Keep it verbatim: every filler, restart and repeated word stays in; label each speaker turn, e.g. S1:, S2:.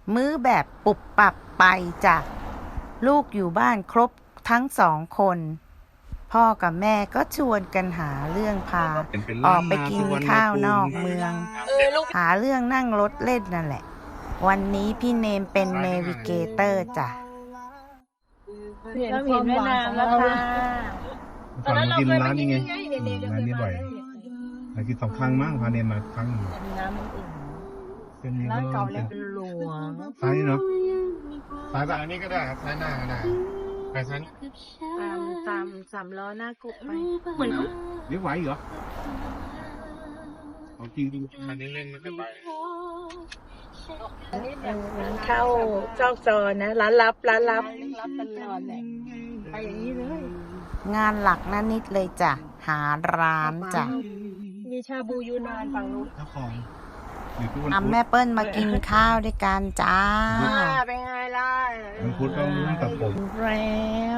S1: มื้อแบบปุบปับไปจ้ะลูกอยู่บ้านครบทั้งสองคนพ่อกับแม่ก็ชวนกันหาเรื่องพาออกไปกินข้าวนอกเมืองหาเรื่องนั่งรถเล่นนั่นแหละวันนี้พี่เนมเป็นเนวิเกเตอร์จ้ะ
S2: เราเห็นแม่น้ำแล้วค่ะ
S3: ฝั่งมากินร้านนี้ไงร้านนี้บ่อยมากินสองครั้งมั้งพาเนมมาครั้งหนึ่ง
S2: น้ำมันอุ่น
S3: เป็นนี้
S2: ร้าน
S3: ก็
S2: เก่าแล้วเป็นหลวง
S3: ซ้ายเนาะซ้ายแบบอันนี้ก็ได้ครับซ้ายหน้าก็ได้ไปซ้าย
S2: ตามตามสามล้อหน้ากบไปเหมือนเขา
S3: เลี้ยวไหวเหรอของจริงดูคันนี้เล่นไม่ค่อยไป
S2: เข้าซอกซอนนะร้านลับร้านลับรับตลอดแหละไปอย่างนี้เลย
S1: งานหลักนั่นนิดเลยจ้ะหาร้านจ้ะ
S2: มีชาบูยูนานฝั่งนู้น
S3: เจ้าของหรือทุกวัน
S1: นำ
S3: พุธ
S1: แม่เปิ้ลมากินข้าวด้วยกันจ้า
S2: เป็นไงล่ะ
S3: วันพุธต้องตัดผม
S2: แรง